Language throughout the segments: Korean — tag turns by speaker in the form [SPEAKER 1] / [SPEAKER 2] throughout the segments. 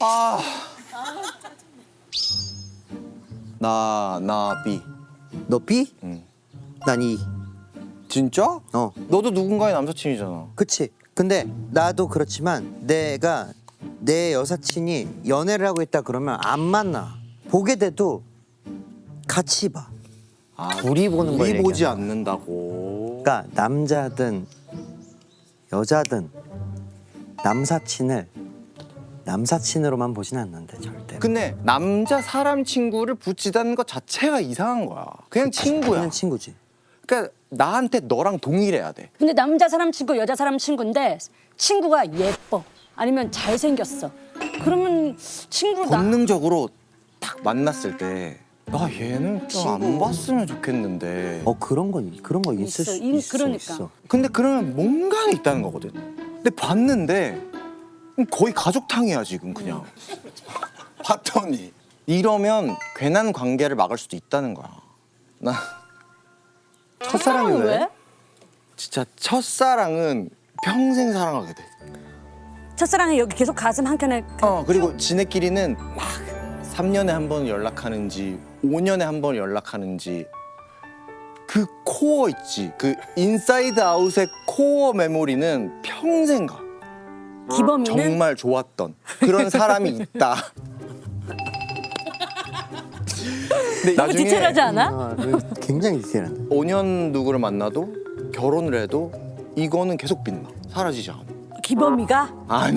[SPEAKER 1] 나 B.
[SPEAKER 2] 너 B?
[SPEAKER 1] 응.
[SPEAKER 2] 난 E.
[SPEAKER 1] 진짜?
[SPEAKER 2] 어.
[SPEAKER 1] 너도 누군가의 남사친이잖아.
[SPEAKER 2] 그치. 근데 나도 그렇지만 내가 내 여사친이 연애를 하고 있다 그러면 안 만나. 보게 돼도 같이 봐. 둘이 보는 걸
[SPEAKER 1] 우리 보지
[SPEAKER 2] 얘기하는
[SPEAKER 1] 않는다고.
[SPEAKER 2] 그러니까 남자든 여자든 남사친을 남사친으로만 보진 않는데 절대.
[SPEAKER 1] 근데 남자 사람 친구를 붙이다는 것 자체가 이상한 거야. 그냥 친구야.
[SPEAKER 2] 그냥 친구지.
[SPEAKER 1] 그러니까 나한테 너랑 동일해야 돼.
[SPEAKER 3] 근데 남자 사람 친구, 여자 사람 친구인데 친구가 예뻐. 아니면 잘생겼어. 그러면 친구다.
[SPEAKER 1] 본능적으로 딱 만났을 때 나 얘는 좀 안 봤으면 좋겠는데.
[SPEAKER 2] 그런 거 있을 수 있어.
[SPEAKER 3] 그러니까.
[SPEAKER 2] 있어.
[SPEAKER 1] 근데 그러면 뭔가는 있다는 거거든. 근데 봤는데 거의 가족탕이야 지금 그냥. 봤더니 이러면 괜한 관계를 막을 수도 있다는 거야. 나
[SPEAKER 2] 첫사랑이 왜?
[SPEAKER 1] 진짜 첫사랑은 평생 사랑하게 돼.
[SPEAKER 3] 첫사랑이 여기 계속 가슴 한켠에
[SPEAKER 1] 그리고 지네끼리는 막 3년에 한 번 연락하는지 5년에 한 번 연락하는지 그 코어 있지. 그 인사이드 아웃의 코어 메모리는 평생 가.
[SPEAKER 3] 기범이는
[SPEAKER 1] 정말 좋았던 그런 사람이 있다. 근데
[SPEAKER 3] 너무 디테일하지 않아?
[SPEAKER 2] 굉장히 디테일한데.
[SPEAKER 1] 5년 누구를 만나도 결혼을 해도 이거는 계속 빛나. 사라지지 않아.
[SPEAKER 3] 기범이가?
[SPEAKER 1] 아니.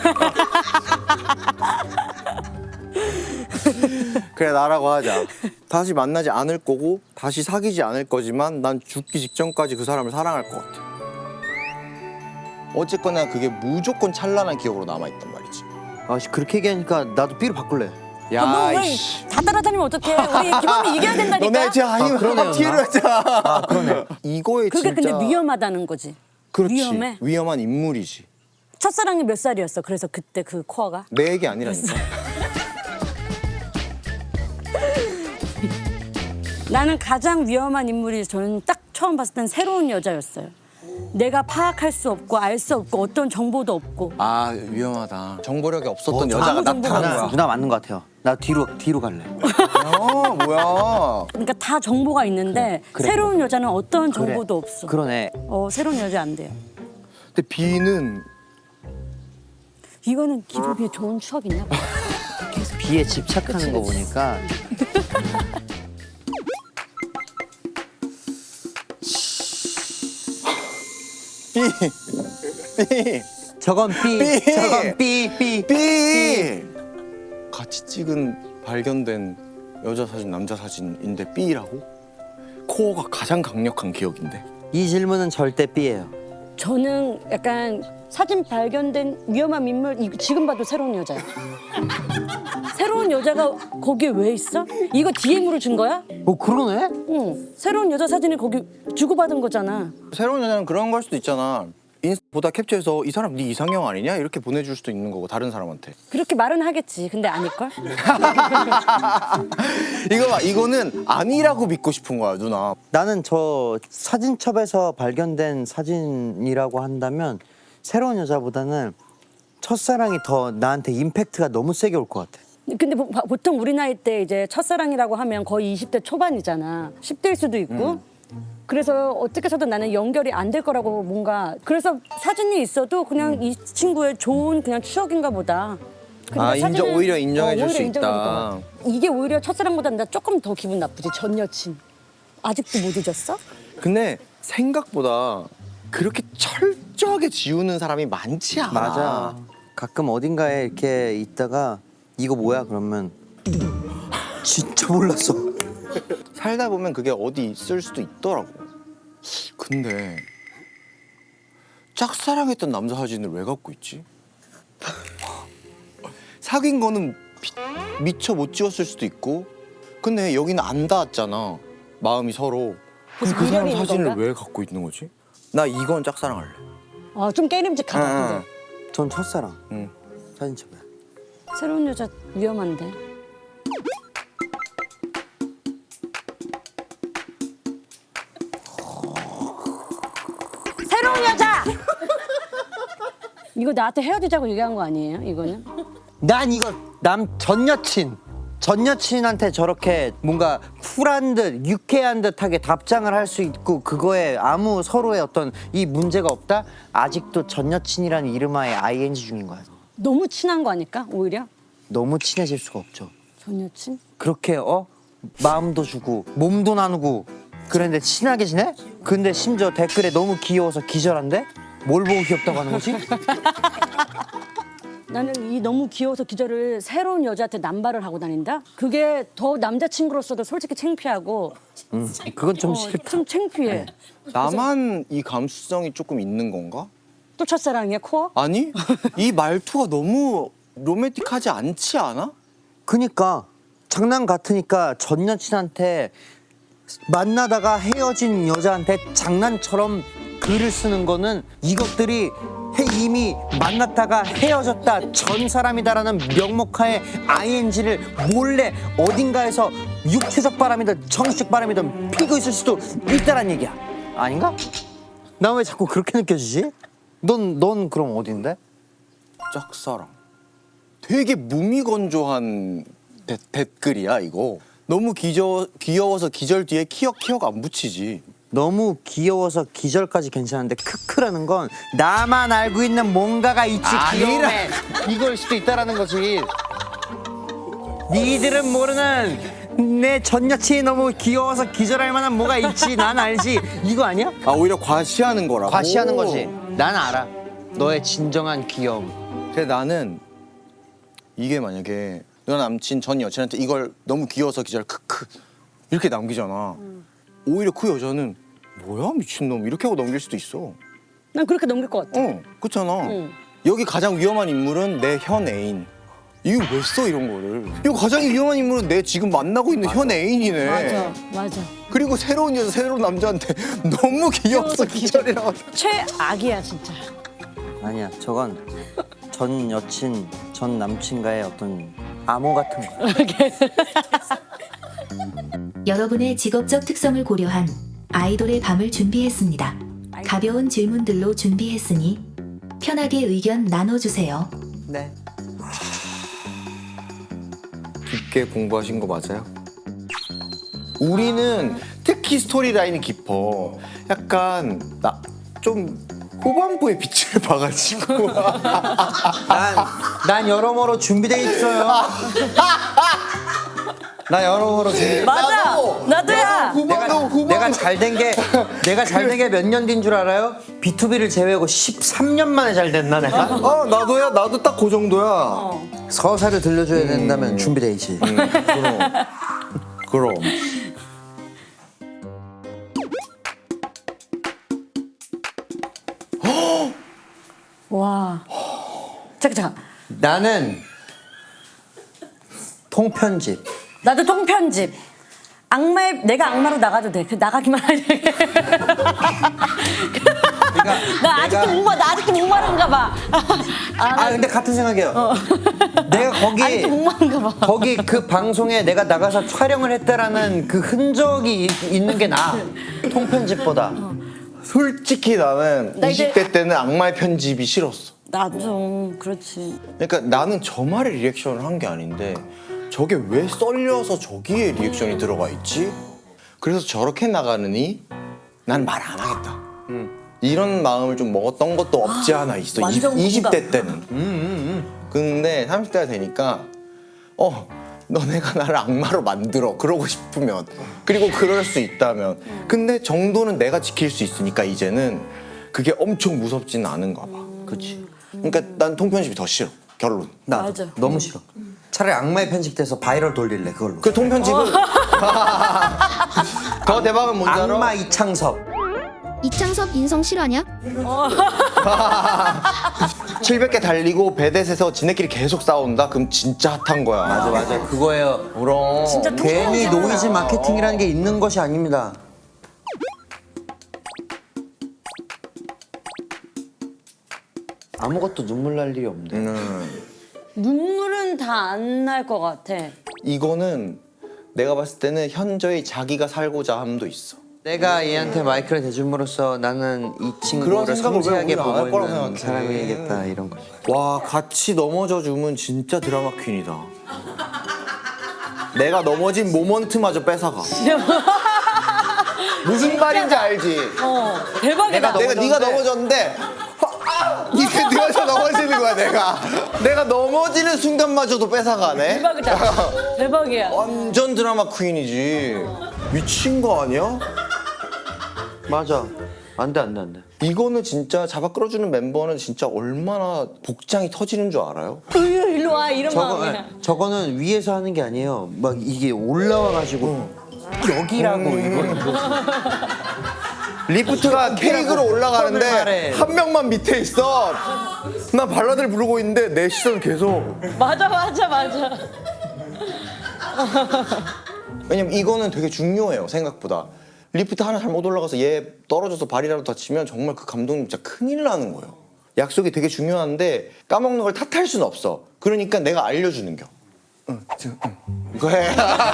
[SPEAKER 1] 그래 나라고 하자. 다시 만나지 않을 거고 다시 사귀지 않을 거지만 난 죽기 직전까지 그 사람을 사랑할 것 같아. 어쨌거나 그게 무조건 찬란한 기억으로 남아있단 말이지.
[SPEAKER 2] 아, 그렇게 얘기하니까 나도 B로 바꿀래.
[SPEAKER 1] 야,
[SPEAKER 3] 뭐,
[SPEAKER 1] 이씨.
[SPEAKER 3] 다 따라다니면 어떡해. 우리 기범이 이겨야 된다니까.
[SPEAKER 1] 너네 제 아니면
[SPEAKER 2] 그러네요,
[SPEAKER 1] 뒤로 하자.
[SPEAKER 2] 그러네.
[SPEAKER 1] 이거에
[SPEAKER 3] 그게
[SPEAKER 1] 진짜
[SPEAKER 3] 근데 위험하다는 거지.
[SPEAKER 1] 그렇지.
[SPEAKER 3] 위험해.
[SPEAKER 1] 위험한 인물이지.
[SPEAKER 3] 첫사랑이 몇 살이었어? 그래서 그때 그 코어가?
[SPEAKER 1] 내 얘기 아니라니까.
[SPEAKER 3] 나는 가장 위험한 인물이 저는 딱 처음 봤을 땐 새로운 여자였어요. 내가 파악할 수 없고 알 수 없고 어떤 정보도 없고.
[SPEAKER 1] 아 위험하다. 정보력이 없었던
[SPEAKER 2] 저
[SPEAKER 1] 여자가
[SPEAKER 3] 아무 정보가
[SPEAKER 1] 나타난
[SPEAKER 3] 없어.
[SPEAKER 1] 거야.
[SPEAKER 2] 누나 맞는 것 같아요. 나 뒤로 갈래.
[SPEAKER 1] 뭐야.
[SPEAKER 3] 그러니까 다 정보가 있는데
[SPEAKER 2] 그래.
[SPEAKER 3] 새로운 여자는 어떤
[SPEAKER 2] 그래.
[SPEAKER 3] 정보도 없어.
[SPEAKER 2] 그러네.
[SPEAKER 3] 새로운 여자 안 돼요.
[SPEAKER 1] 근데 B는
[SPEAKER 3] 이거는 기범이의 좋은 추억 있나 봐.
[SPEAKER 2] B에 집착하는 거 보니까
[SPEAKER 1] B.
[SPEAKER 2] 저건 B,
[SPEAKER 1] B.
[SPEAKER 2] 저건 B.
[SPEAKER 1] B. 같이 찍은 발견된 여자 사진, 남자 사진인데 B라고? 코어가 가장 강력한 기억인데.
[SPEAKER 2] 이 질문은 절대 B예요.
[SPEAKER 3] 저는 약간 사진 발견된 위험한 인물 지금 봐도 새로운 여자야. 새로운 여자가 거기에 왜 있어? 이거 DM으로 준 거야?
[SPEAKER 2] 그러네?
[SPEAKER 3] 응. 새로운 여자 사진을 거기 주고받은 거잖아.
[SPEAKER 1] 새로운 여자는 그런 걸 수도 있잖아. 인스타 보다 캡처해서 이 사람 네 이상형 아니냐? 이렇게 보내줄 수도 있는 거고 다른 사람한테.
[SPEAKER 3] 그렇게 말은 하겠지. 근데 아닐걸?
[SPEAKER 1] 이거 봐, 이거는 아니라고 믿고 싶은 거야 누나.
[SPEAKER 2] 나는 저 사진첩에서 발견된 사진이라고 한다면 새로운 여자보다는 첫사랑이 더 나한테 임팩트가 너무 세게 올 것 같아.
[SPEAKER 3] 근데 보통 우리 나이 때 이제 첫사랑이라고 하면 거의 20대 초반이잖아. 10대일 수도 있고. 그래서 어떻게 해서든 나는 연결이 안 될 거라고 뭔가 그래서 사진이 있어도 그냥 이 친구의 좋은 그냥 추억인가 보다. 근데
[SPEAKER 1] 오히려 인정해 줄 수
[SPEAKER 3] 오히려 인정해줄 것
[SPEAKER 1] 있다.
[SPEAKER 3] 같아. 이게 오히려 첫사랑보다 나 조금 더 기분 나쁘지. 전 여친. 아직도 못 잊었어?
[SPEAKER 1] 근데 생각보다 그렇게 철저하게 지우는 사람이 많지 않아.
[SPEAKER 2] 맞아. 가끔 어딘가에 이렇게 있다가 이거 뭐야 그러면 진짜 몰랐어.
[SPEAKER 1] 살다 보면 그게 어디 있을 수도 있더라고. 근데 짝사랑했던 남자 사진을 왜 갖고 있지? 사귄 거는 미처 못 지웠을 수도 있고 근데 여기는 안 닿았잖아. 마음이 서로. 근데 그 사람
[SPEAKER 3] 미련이 있는
[SPEAKER 1] 사진을
[SPEAKER 3] 건가?
[SPEAKER 1] 왜 갖고 있는 거지? 나 이건 짝사랑할래.
[SPEAKER 3] 좀 깨림직하다. 근데.
[SPEAKER 2] 전 첫사랑.
[SPEAKER 1] 응.
[SPEAKER 2] 사진첩에.
[SPEAKER 3] 새로운 여자 위험한데. 새로운 여자! 이거 나한테 헤어지자고 얘기한 거 아니에요? 이거는?
[SPEAKER 2] 난 이거 전 여친한테 저렇게 뭔가 쿨한 듯 유쾌한 듯하게 답장을 할 수 있고 그거에 아무 서로의 어떤 이 문제가 없다? 아직도 전 여친이라는 이름하에 ing 중인 거야.
[SPEAKER 3] 너무 친한 거 아닐까 오히려?
[SPEAKER 2] 너무 친해질 수가 없죠.
[SPEAKER 3] 전 여친?
[SPEAKER 2] 그렇게 마음도 주고 몸도 나누고 그랬는데 친하게 지내? 근데 심지어 댓글에 너무 귀여워서 기절한데? 뭘 보고 귀엽다고 하는 거지?
[SPEAKER 3] 나는 이 너무 귀여워서 기절을 새로운 여자한테 남발을 하고 다닌다? 그게 더 남자친구로서도 솔직히 창피하고
[SPEAKER 2] 그건 좀 싫다.
[SPEAKER 3] 좀 창피해.
[SPEAKER 1] 나만 이 감수성이 조금 있는 건가?
[SPEAKER 3] 또 첫사랑이야 코어?
[SPEAKER 1] 아니 이 말투가 너무 로맨틱하지 않지 않아?
[SPEAKER 2] 그니까 장난 같으니까 전 여친한테 만나다가 헤어진 여자한테 장난처럼 글을 쓰는 거는 이것들이 이미 만났다가 헤어졌다 전 사람이다라는 명목하에 ing를 몰래 어딘가에서 육체적 바람이든 정신적 바람이든 피고 있을 수도 있다란 얘기야. 아닌가? 나 왜 자꾸 그렇게 느껴지지? 넌 그럼 어딘데?
[SPEAKER 1] 짝사랑. 되게 무미건조한 댓글이야 이거. 너무 귀여워서 기절 뒤에 키역가 안 붙이지.
[SPEAKER 2] 너무 귀여워서 기절까지 괜찮은데 크크라는 건 나만 알고 있는 뭔가가 있지 귀여움에 이걸 수도 있다라는 거지. 니들은 모르는 내 전 여친이 너무 귀여워서 기절할 만한 뭐가 있지 난 알지. 이거 아니야?
[SPEAKER 1] 아 오히려 과시하는 거라고.
[SPEAKER 2] 과시하는 거지. 난 알아. 너의 진정한 귀여움.
[SPEAKER 1] 근데 나는 이게 만약에 너 남친 전 여친한테 이걸 너무 귀여워서 기절 크크 이렇게 남기잖아. 오히려 그 여자는 뭐야 미친놈 이렇게 하고 넘길 수도 있어.
[SPEAKER 3] 난 그렇게 넘길 것 같아.
[SPEAKER 1] 그렇잖아.
[SPEAKER 3] 응.
[SPEAKER 1] 여기 가장 위험한 인물은 내 현 애인. 이거 왜 써 이런 거를? 이거 가장 위험한 인물은 내 지금 만나고 있는 현 애인이네.
[SPEAKER 3] 맞아.
[SPEAKER 1] 그리고 새로운 여자 새로운 남자한테 너무 귀여워서 기절이라고.
[SPEAKER 3] 최악이야 진짜.
[SPEAKER 2] 아니야 저건 전 여친 전 남친과의 어떤 암호 같은 거야.
[SPEAKER 4] 여러분의 직업적 특성을 고려한 아이돌의 밤을 준비했습니다. 가벼운 질문들로 준비했으니 편하게 의견 나눠주세요.
[SPEAKER 2] 네.
[SPEAKER 1] 깊게 공부하신 거 맞아요? 우리는 특히 스토리라인이 깊어. 약간 나 좀 후반부에 빛을 봐가지고.
[SPEAKER 2] 난 여러모로 준비돼 있어요. 나 여러모로 준비.
[SPEAKER 3] 맞아. 나도야.
[SPEAKER 2] 내가 잘 된 게 몇 년 뒤인 줄 알아요? B2B를 제외하고 13년 만에 잘 됐나 내가?
[SPEAKER 1] 나도야. 나도 딱 그 정도야.
[SPEAKER 2] 서사를 들려줘야 된다면 준비돼 있지.
[SPEAKER 1] 그럼.
[SPEAKER 3] 와. 잠깐.
[SPEAKER 2] 나는 통편집.
[SPEAKER 3] 나도 통편집. 내가 악마로 나가도 돼. 나가기만 하지. 나 아직도 목마른가 봐.
[SPEAKER 2] 근데 같은 생각이에요. 내가
[SPEAKER 3] 아직도 목마른가 봐.
[SPEAKER 2] 거기 그 방송에 내가 나가서 촬영을 했다라는 그 흔적이 있는 게 나아. 통편집보다.
[SPEAKER 1] 솔직히 나는
[SPEAKER 3] 나 이제-
[SPEAKER 1] 20대 때는 악마의 편집이 싫었어.
[SPEAKER 3] 나도 그렇지.
[SPEAKER 1] 그러니까 나는 저 말에 리액션을 한 게 아닌데 저게 왜 썰려서 저기에 리액션이 들어가 있지? 그래서 저렇게 나가느니 난 말 안 하겠다. 이런 마음을 좀 먹었던 것도 없지 않아 있어.
[SPEAKER 3] 완전
[SPEAKER 1] 20대 때는. 근데 30대가 되니까 너네가 나를 악마로 만들어 그러고 싶으면 그리고 그럴 수 있다면 근데 정도는 내가 지킬 수 있으니까 이제는 그게 엄청 무섭지는 않은가 봐.
[SPEAKER 2] 그렇지.
[SPEAKER 1] 그러니까 난 통편집이 더 싫어. 결론.
[SPEAKER 2] 나
[SPEAKER 3] 맞아.
[SPEAKER 2] 너무 싫어. 차라리 악마의 편집돼서 바이럴 돌릴래 그걸로.
[SPEAKER 1] 그 통편집은 더 대박은 뭔지 알아?
[SPEAKER 2] 악마 이창섭.
[SPEAKER 5] 이창섭 인성 실화냐?
[SPEAKER 1] 700개 달리고 배댓에서 지네끼리 계속 싸운다? 그럼 진짜 핫한 거야.
[SPEAKER 2] 맞아 그거예요.
[SPEAKER 1] 그럼.
[SPEAKER 3] 진짜
[SPEAKER 2] 괜히
[SPEAKER 3] 통편집이야.
[SPEAKER 2] 노이즈 마케팅이라는 게 있는 것이 아닙니다. 아무것도 눈물 날 일이 없네.
[SPEAKER 3] 눈물은 다 안 날 것 같아.
[SPEAKER 1] 이거는 내가 봤을 때는 현저히 자기가 살고자 함도 있어.
[SPEAKER 2] 내가 얘한테 마이크를 대줌으로써 나는 이
[SPEAKER 1] 그런
[SPEAKER 2] 친구를
[SPEAKER 1] 생각을 왜
[SPEAKER 2] 섬세하게
[SPEAKER 1] 우리는 안할
[SPEAKER 2] 보고
[SPEAKER 1] 거라고
[SPEAKER 2] 있는
[SPEAKER 1] 생각해?
[SPEAKER 2] 사람이겠다 이런 거지.
[SPEAKER 1] 와 같이 넘어져 주면 진짜 드라마 퀸이다. 내가 넘어진 모먼트마저 뺏어가. 무슨 말인지 알지?
[SPEAKER 3] 대박이다.
[SPEAKER 1] 내가 네가 넘어졌는데 네가 저 넘어지는 거야 내가 넘어지는 순간마저도 뺏어가네.
[SPEAKER 3] 대박이다. 대박이야.
[SPEAKER 1] 완전 드라마 퀸이지. 미친 거 아니야?
[SPEAKER 2] 맞아. 안돼.
[SPEAKER 1] 이거는 진짜 잡아 끌어주는 멤버는 진짜 얼마나 복장이 터지는 줄 알아요?
[SPEAKER 3] 으유 일로 와 이런 마음이야.
[SPEAKER 2] 저거는 위에서 하는 게 아니에요. 막 이게 올라와가지고 여기라고 이거.
[SPEAKER 1] 리프트가 케이크로 올라가는데
[SPEAKER 2] 말해.
[SPEAKER 1] 한 명만 밑에 있어. 나 발라드를 부르고 있는데 내 시선 계속.
[SPEAKER 3] 맞아.
[SPEAKER 1] 왜냐면 이거는 되게 중요해요 생각보다. 리프트 하나 잘못 올라가서 얘 떨어져서 발이라도 다치면 정말 그 감독님 진짜 큰일 나는 거예요. 약속이 되게 중요한데 까먹는 걸 탓할 수는 없어. 그러니까 내가 알려주는 겨. 이거 해.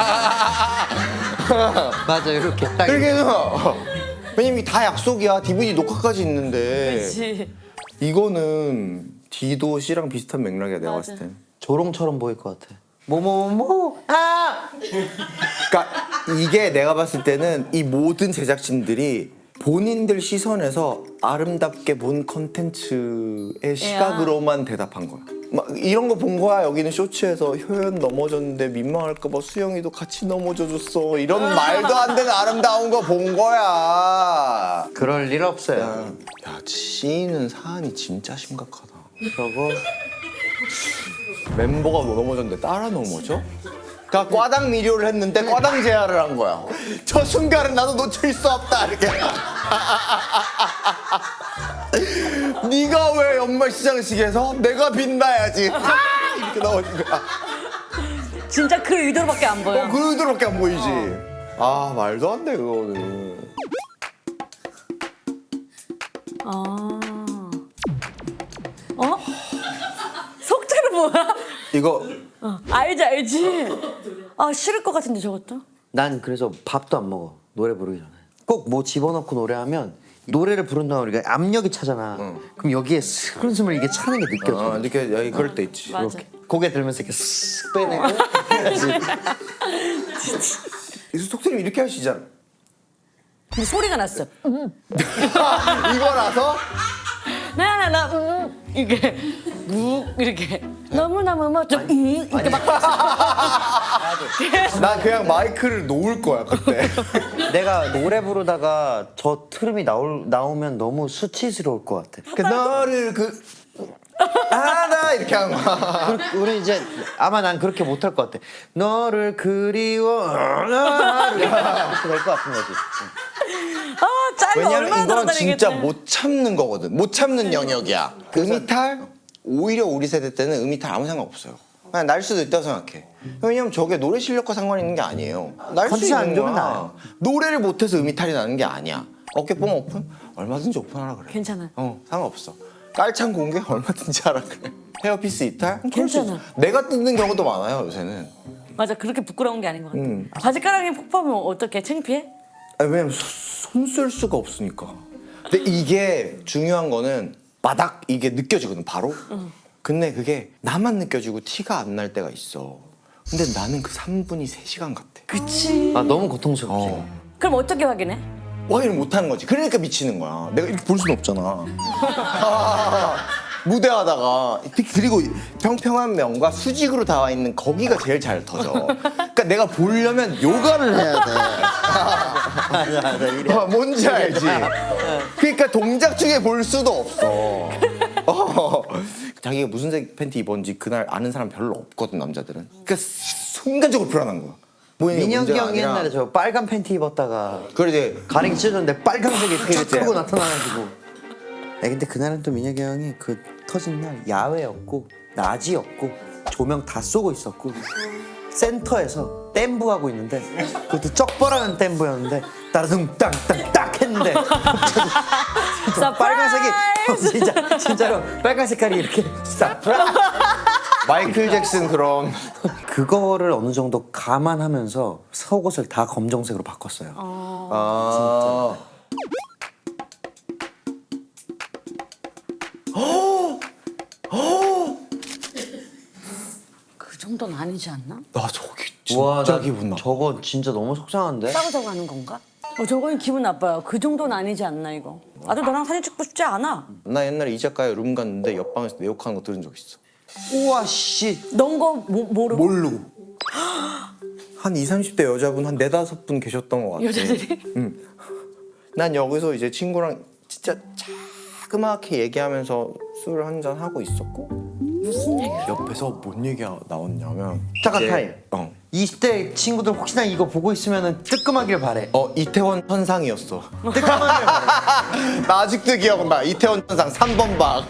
[SPEAKER 2] 맞아 이렇게 딱.
[SPEAKER 1] 그렇게 해서 왜냐면 이게 다 약속이야. DVD 녹화까지 있는데.
[SPEAKER 3] 그렇지.
[SPEAKER 1] 이거는 D도 C랑 비슷한 맥락이야 내가 봤을 땐.
[SPEAKER 2] 조롱처럼 보일 것 같아. 뭐뭐뭐 아.
[SPEAKER 1] 그러니까 이게 내가 봤을 때는 이 모든 제작진들이 본인들 시선에서 아름답게 본 컨텐츠의 시각으로만 대답한 거야. 막 이런 거 본 거야. 여기는 쇼츠에서 효연 넘어졌는데 민망할까 봐 수영이도 같이 넘어져 줬어. 이런 말도 안 되는 아름다운 거 본 거야.
[SPEAKER 2] 그럴 일 없어요.
[SPEAKER 1] 야, C는 사안이 진짜 심각하다.
[SPEAKER 2] 저거
[SPEAKER 1] 멤버가 넘어졌는데 따라 넘어져? 그러니까 과당 미료를 했는데 과당 제하를 한 거야. 저 순간은 나도 놓칠 수 없다 이렇게. 네가 왜 연말 시상식에서 내가 빛나야지 이렇게 나오는 거야.
[SPEAKER 3] 진짜 그 의도로밖에 안 보여.
[SPEAKER 1] 그 의도로밖에 안 보이지. 아 말도 안 돼 그거는.
[SPEAKER 3] 속죄는 뭐야?
[SPEAKER 1] 이거
[SPEAKER 3] 알지. 아 싫을 것 같은데 저것도.
[SPEAKER 2] 난 그래서 밥도 안 먹어. 노래 부르기 전에. 꼭 뭐 집어넣고 노래하면 노래를 부른다고 우리가 압력이 차잖아. 그럼 여기에 스근스을 이게 차는 게 느껴져.
[SPEAKER 1] 이렇게 여기 그럴 때 있지.
[SPEAKER 3] 맞아.
[SPEAKER 2] 고개 들면서 이렇게 쓱 빼내고.
[SPEAKER 1] 속세님 이렇게 하시잖아.
[SPEAKER 3] 근데 소리가 났어.
[SPEAKER 1] 이거라서
[SPEAKER 3] 나나나 이게 이렇게 너무너무 멋져. 이렇게 막
[SPEAKER 1] 난 그냥 마이크를 놓을 거야 그때.
[SPEAKER 2] 내가 노래 부르다가 저 트름이 나오면 너무 수치스러울 것 같아.
[SPEAKER 1] 그 너를 나 이렇게 하는 거야.
[SPEAKER 2] 우리 이제 아마 난 그렇게 못할 것 같아. 너를 그리워 이렇게 될 것 같은 거지.
[SPEAKER 3] 아 짤이
[SPEAKER 1] 왜냐면
[SPEAKER 3] 얼마나
[SPEAKER 1] 이건
[SPEAKER 3] 돌아다니겠대.
[SPEAKER 1] 진짜 못 참는 거거든. 못 참는 영역이야. 음이탈 오히려 우리 세대 때는 음이탈 아무 상관 없어요. 그냥 날 수도 있다고 생각해. 왜냐면 저게 노래 실력과 상관 있는 게 아니에요. 날 수
[SPEAKER 2] 컨디션 안
[SPEAKER 1] 있는
[SPEAKER 2] 좋으면
[SPEAKER 1] 거야.
[SPEAKER 2] 나요.
[SPEAKER 1] 노래를 못해서 음이탈이 나는 게 아니야. 어깨뽕 오픈? 얼마든지 오픈하라 그래.
[SPEAKER 3] 괜찮아.
[SPEAKER 1] 상관없어. 깔창 공개? 얼마든지 하라 그래. 헤어피스 이탈? 그럴 수
[SPEAKER 3] 괜찮아.
[SPEAKER 1] 있어. 내가 뜯는 경우도 많아요 요새는.
[SPEAKER 3] 맞아 그렇게 부끄러운 게 아닌 것 같아. 바지가랑이 폭파면 어떻게 창피해?
[SPEAKER 1] 왜냐면 손 쓸 수가 없으니까. 근데 이게 중요한 거는 바닥 이게 느껴지거든 바로. 근데 그게 나만 느껴지고 티가 안 날 때가 있어. 근데 나는 그 3분이 3시간 같아.
[SPEAKER 3] 그치.
[SPEAKER 2] 아 너무 고통스럽지.
[SPEAKER 3] 그럼 어떻게 확인해?
[SPEAKER 1] 확인을 못 하는 거지. 그러니까 미치는 거야. 내가 이렇게 볼 수는 없잖아. 무대하다가 그리고 평평한 면과 수직으로 나와 있는 거기가 제일 잘 터져. 그러니까 내가 보려면 요가를 해야 돼. 뭔지 알지? 그러니까 동작 중에 볼 수도 없어. 자기가 무슨 색 팬티 입었는지 그날 아는 사람 별로 없거든 남자들은. 그러니까 순간적으로 불안한 거야.
[SPEAKER 2] 민혁이 형이 옛날에 저 빨간 팬티 입었다가
[SPEAKER 1] 그래 이제
[SPEAKER 2] 가랭이 찢었는데 빨간색이 탁
[SPEAKER 1] 그래.
[SPEAKER 2] 하고 나타나가지고. 근데 그날은 또 민혁이 형이 그 터진 날 야외였고 낮이었고 조명 다 쏘고 있었고 센터에서 댐부 하고 있는데 그것도 쩍벌하는 댐부였는데 따라둥 땅땅딱 했는데 진짜 빨간색이 진짜로 빨간 색깔이 이렇게 싹
[SPEAKER 1] 마이클 잭슨 그런.
[SPEAKER 2] 그거를 어느 정도 감안하면서 속옷을 다 검정색으로 바꿨어요.
[SPEAKER 1] 아.
[SPEAKER 3] 그 정도는 아니지 않나?
[SPEAKER 1] 나 저기
[SPEAKER 2] 와,
[SPEAKER 1] 진짜
[SPEAKER 2] 나
[SPEAKER 1] 기분 나.
[SPEAKER 2] 저거 진짜 너무 속상한데?
[SPEAKER 3] 싸우자고 하는 건가? 저건 기분 나빠요. 그 정도는 아니지 않나 이거. 나도 너랑 사진 찍고 싶지 않아.
[SPEAKER 1] 나 옛날에 이 작가의 룸 갔는데 옆방에서 내 욕하는 거 들은 적 있어.
[SPEAKER 2] 우와 씨.
[SPEAKER 3] 넌 거 모르고
[SPEAKER 1] 모르고. 한 20, 30대 여자분 한 4, 5분 계셨던 것 같아.
[SPEAKER 3] 여자들이?
[SPEAKER 1] 난 여기서 이제 친구랑 진짜 자그맣게 얘기하면서 술 한잔 하고 있었고
[SPEAKER 3] 무슨 얘기야?
[SPEAKER 1] 옆에서 뭔 얘기가 나왔냐면
[SPEAKER 2] 잠깐
[SPEAKER 1] 이제-
[SPEAKER 2] 타임. 20대 친구들 혹시나 이거 보고 있으면 뜨끔하길 바래.
[SPEAKER 1] 이태원 현상이었어.
[SPEAKER 2] 뜨끔하길 바래.
[SPEAKER 1] 나 아직도 기억나. 이태원 현상 3번 방.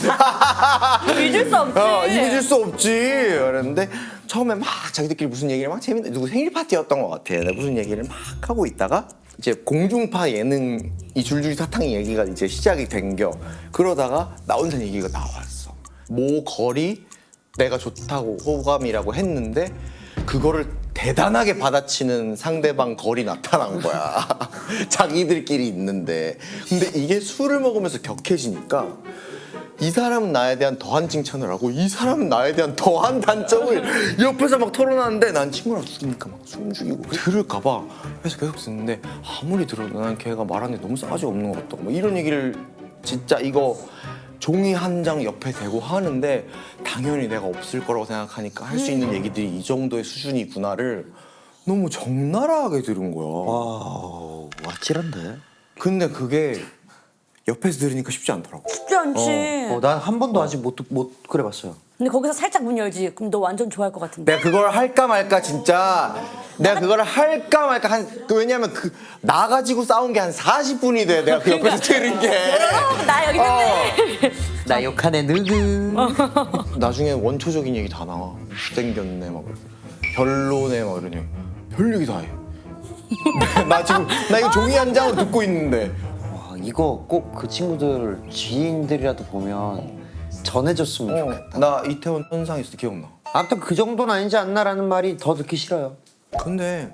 [SPEAKER 3] 잊을 수 없지.
[SPEAKER 1] 잊을 수 없지. 그랬는데 처음에 막 자기들끼리 무슨 얘기를 막 재밌는 누구 생일 파티였던 것 같아. 내가 무슨 얘기를 막 하고 있다가 이제 공중파 예능 이 줄줄이 사탕 얘기가 이제 시작이 된겨. 그러다가 나온다는 얘기가 나왔어. 모 거리 내가 좋다고 호감이라고 했는데 그거를 대단하게 받아치는 상대방 걸이 나타난 거야. 자기들끼리 있는데. 근데 이게 술을 먹으면서 격해지니까 이 사람은 나에 대한 더한 칭찬을 하고 이 사람은 나에 대한 더한 단점을 옆에서 막 털어놨는데 난 친구랑 술이니까 막 숨 죽이고 들을까 봐 그래서 계속 듣는데 아무리 들어도 난 걔가 말하는 게 너무 싸가지 없는 것 같다고 뭐 이런 얘기를 진짜 이거 종이 한 장 옆에 대고 하는데 당연히 내가 없을 거라고 생각하니까 할 수 있는 얘기들이 이 정도의 수준이구나를 너무 적나라하게 들은 거야.
[SPEAKER 2] 와 찔한데.
[SPEAKER 1] 근데 그게 옆에서 들으니까 쉽지 않더라고.
[SPEAKER 3] 쉽지 않지.
[SPEAKER 2] 난 한 번도 아직 못 그래봤어요.
[SPEAKER 3] 근데 거기서 살짝 문 열지. 그럼 너 완전 좋아할 것 같은데.
[SPEAKER 1] 내가 그걸 할까 말까 진짜 내가 그걸 할까 말까 왜냐면 나 가지고 싸운 게 한 40분이 돼. 내가 그 옆에서 들은 게.
[SPEAKER 3] 나 여기 있는데.
[SPEAKER 2] 나 욕하네 느그.
[SPEAKER 1] 나중에 원초적인 얘기 다 나와. 못생겼네 막 별로네 막 이러니 별 얘기 다 해. 나 이거 종이 한 장으로 듣고 있는데.
[SPEAKER 2] 와 이거 꼭 그 친구들 지인들이라도 보면 전해줬으면 좋겠다.
[SPEAKER 1] 나 이태원 현상 있을 때 기억나.
[SPEAKER 2] 아무튼 그 정도는 아니지 않나라는 말이 더 듣기 싫어요.
[SPEAKER 1] 근데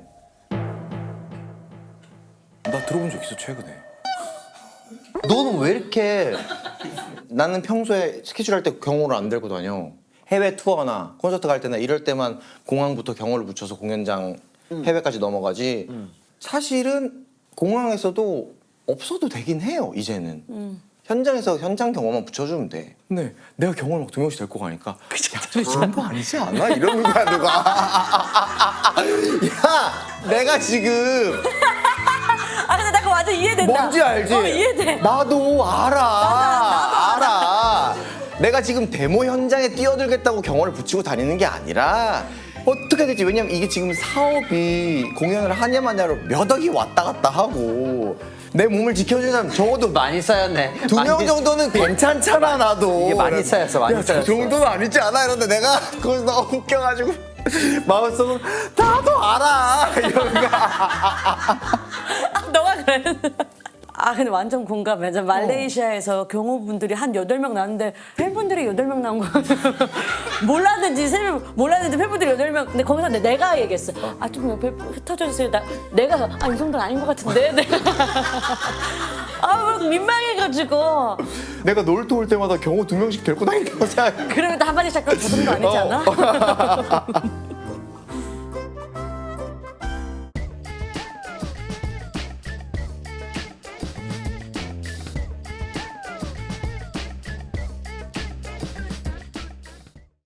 [SPEAKER 1] 나 들어본 적 있어 최근에.
[SPEAKER 2] 너는 왜 이렇게
[SPEAKER 1] 나는 평소에 스케줄 할 때 경호를 안 들고 다녀. 해외 투어나 콘서트 갈 때나 이럴 때만 공항부터 경호를 붙여서 공연장 해외까지 넘어가지. 사실은 공항에서도 없어도 되긴 해요 이제는. 현장에서 현장 경호만 붙여주면 돼. 근데 내가 경호를 막 2명씩 데리고 가니까 야, 이 정도 아니지 않아? 이러는 거야 누가. 야 내가 지금
[SPEAKER 3] 아 근데 나 그거 완전 이해된다.
[SPEAKER 1] 뭔지 알지?
[SPEAKER 3] 이해돼.
[SPEAKER 1] 나도 알아. 내가 지금 데모 현장에 뛰어들겠다고 경호를 붙이고 다니는 게 아니라 어떻게 될지 왜냐면 이게 지금 사업이 공연을 하냐 마냐로 몇 억이 왔다 갔다 하고 내 몸을 지켜주는 사람 적어도
[SPEAKER 2] 많이 쌓였네.
[SPEAKER 1] 2명 정도는 괜찮잖아 나도.
[SPEAKER 2] 이게 많이 쌓였어, 많이
[SPEAKER 1] 야, 저
[SPEAKER 2] 쌓였어.
[SPEAKER 1] 정도는 아니지 않아? 이런데 내가 거기서 너무 웃겨가지고 마음속으로 나도 알아 이런 거.
[SPEAKER 3] 너가 그랬어. 아 근데 완전 공감해. 저 말레이시아에서 경호분들이 한 8명 나왔는데 팬분들이 8명 나온 거 몰랐는지 몰랐는데 팬분들이 8명. 근데 거기서 내가 얘기했어. 아 좀 옆에 흩어져 주세요. 내가 이 정도는 아닌 것 같은데. 내가 막 민망해가지고.
[SPEAKER 1] 내가 놀토 올 때마다 경호 2명씩 데리고 다닌다고 생각해.
[SPEAKER 3] 그러면 또 한마디 시작하면 저 정도 아니지 않아?